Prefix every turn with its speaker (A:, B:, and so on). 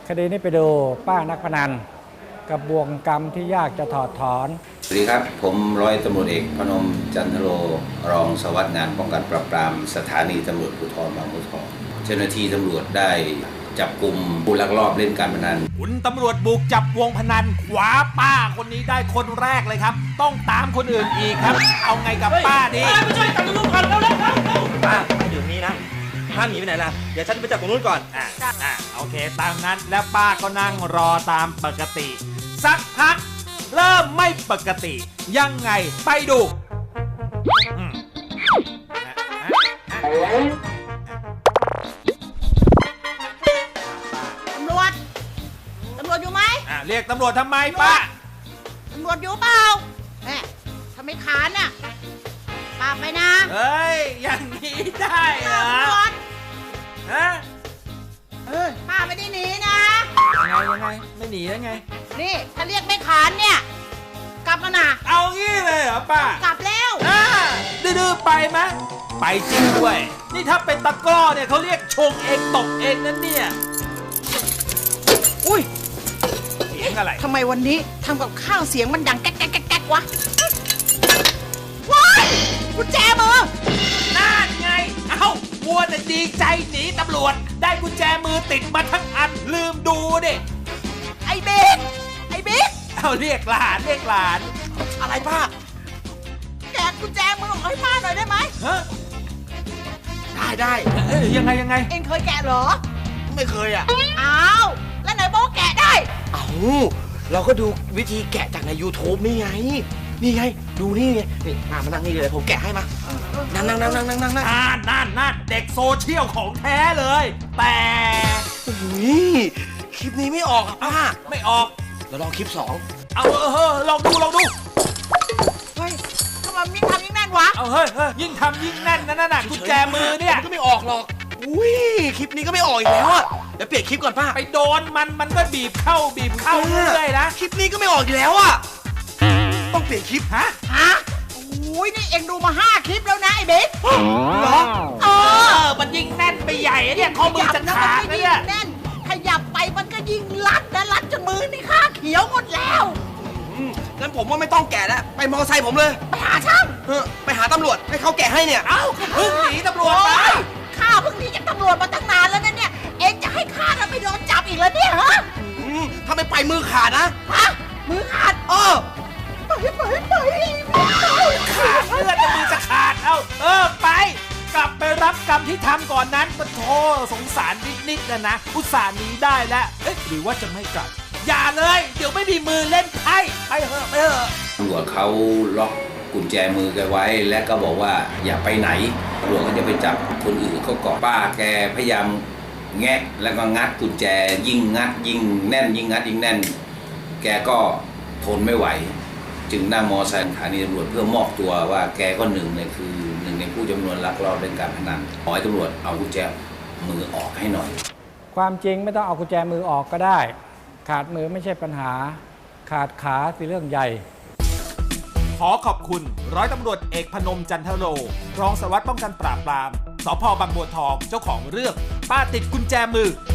A: คดีนี้ไปดูป้านักพนันกับบ่วงกรรมที่ยากจะถอดถอน
B: สวัสดีครับผมร้อยตำรวจเอกพนมจันทโรรองสารวัสดิ์งานป้องกันปราบปรามสถานีตำรวจภูธรบางบัวทองเจ้าหน้าที่ตำรวจได้จับกลุ่มผู้ลักลอบเล่นการพนัน
C: คุณตำรวจบุกจับวงพนันขวาป้าคนนี้ได้คนแรกเลยครับต้องตามคนอื่นอีกครับเอาไงกับป้าดี
D: ไม่ช่วยจับตรงนู้นก่อนเร็วป้าอยู่นี่นะห้ามหนีไปไหนล่ะเดี๋ยวฉันไปจับตรงนู้นก่อน
C: โอเคตามนั้นแล้วป้าก็นั่งรอตามปกติสักพักเริ่มไม่ปกติยังไงไปดู
E: ตำรวจอยู่ไหม
C: เรียกตำรวจทำไมป้า
E: ตำรวจอยู่เปล่าถ้าไม่ขานน่ะป้าไปนะ
C: เฮ้ยอย่างนี้ได้เหรอ
E: ตำรวจ
C: ฮะ
E: ป้าไม่ได้หนีนะ
C: ยังไงไม่หนีได้ไง
E: นี่ถ้าเรียกไม่ขานเนี่ยกลับมานะ
C: เอางี้เลยเหรอป้าก
E: ลับแล้ว
C: ดื้อไปไหมไปจริงด้วยนี่ถ้าเป็นตะกร้อเนี่ยเขาเรียกชงเองตกเองนั่นเนี่ย
E: อุ้ย
C: เสียงอะไร
E: ทำไมวันนี้ทำกับข้าวเสียงมันดังแก๊กแก๊กแก๊กวะว้ายกุญแจมือ
C: นั่นไงเอ้าวัวน่ะดีใจหนีตำรวจได้กุญแจมือติดมาทั้งอันลืมดูดิ
E: ไอ้บิ๊ก
C: เอาเรียกหลาน
D: อะไรป้า
E: แกะกุญแจมือให้ป้าหน่อยได้ไหม
D: ได้
C: ยังไง
E: เอ็งเคยแกะเหรอ
D: ไม่เคย
E: อ้าวแล้วไหนบอกแกะได้
D: เราก็ดูวิธีแกะจากใน YouTube นี่ไงดูนี่ไงนี่มานั่งนี่เลยผมแกะให้มานั่ง
C: เด็กโซเชียลของแท้เลยแต่
D: คลิปนี้ไม่ออกป้า
C: ไม่ออก
D: เราลองคลิป2
C: เอาลองดู
E: เฮ้ยทำไมยิ่งทำยิ่งแน่นวะ
C: เอาเฮ้ยยิ่งทำยิ่งแน่นนั่นน่ะกุญแจมือเนี่ย
D: ก็ไม่ออกหรอกคลิปนี้ก็ไม่ออกอีกแล้วเดี๋ยวเปลี่ยนคลิปก่อนป้า
C: ไปโดนมันก็บีบเข้าเรื่อยนะ
D: คลิปนี้ก็ไม่ออกอีกแล้วต้องเปลี่ยนคลิป
E: ฮะนี่เอ็งดูมา5 คลิปแล้วนะไอ้บิ๊ก
C: เหรอมันยิ่งแน่นไปใหญ่เนี่ยข้อมือจะขาดเนี่ย
E: แน่นขยับไปมันก็ยิ่งรัดจนมือนี่ข้าเขียวหมดแล้ว
D: งั้นผมว่าไม่ต้องแกะแล้วไปมอเตอร์ไซค์ผมเลย
E: ไปหาช่าง
D: ไปหาตำรวจให้เขาแกะให้เนี่ย
C: เพิ่งหนีตำรวจไป
E: ข้าเพิ่งหนีจากตำรวจมาตั้งนานแล้วนะเนี่ยเอ็งจะให้ข้าไปโดนจับอีกแล้วเนี่ยฮะ
D: ถ้าไม่ไปมือขาดนะ
E: มือขาดไป
C: ขาดเลือดมือจะขาดไปกลับไปรับกรรมที่ทำก่อนนั้นก็โธ่สงสารนิดนะอุตส่าห์หนีได้แล้วหรือว่าจะไม่กลับอย่าเลยเดี๋ยวไม่มีมือเล่นไพ่ไปเถอะ
B: ตำรวจเขาล็อกกุญแจมือแกไว้และก็บอกว่าอย่าไปไหนตำรวจก็จะไปจับคนอื่นเขาเกาะป้าแกพยายามแงะแล้วก็งัดกุญแจยิ่งงัดยิ่งแน่นยิ่งงัดยิ่งแน่นแกก็ทนไม่ไหวจึงนั่งมอไซค์สถานีตำรวจเพื่อมอบตัวว่าแกก็หนึ่งในผู้จำนวนลักลอบเล่นการพนันขอให้ตำรวจเอากุญแจมือออกให้หน่อย
A: ความจริงไม่ต้องเอากุญแจมือออกก็ได้ขาดมือไม่ใช่ปัญหาขาดขาสิเรื่องใหญ่
C: ขอขอบคุณร้อยตำรวจเอกพนมจันทโรรองสารวัตรป้องกันปราบปรามสภ.บางบัวทองเจ้าของเรื่องป้าติดกุญแจมือ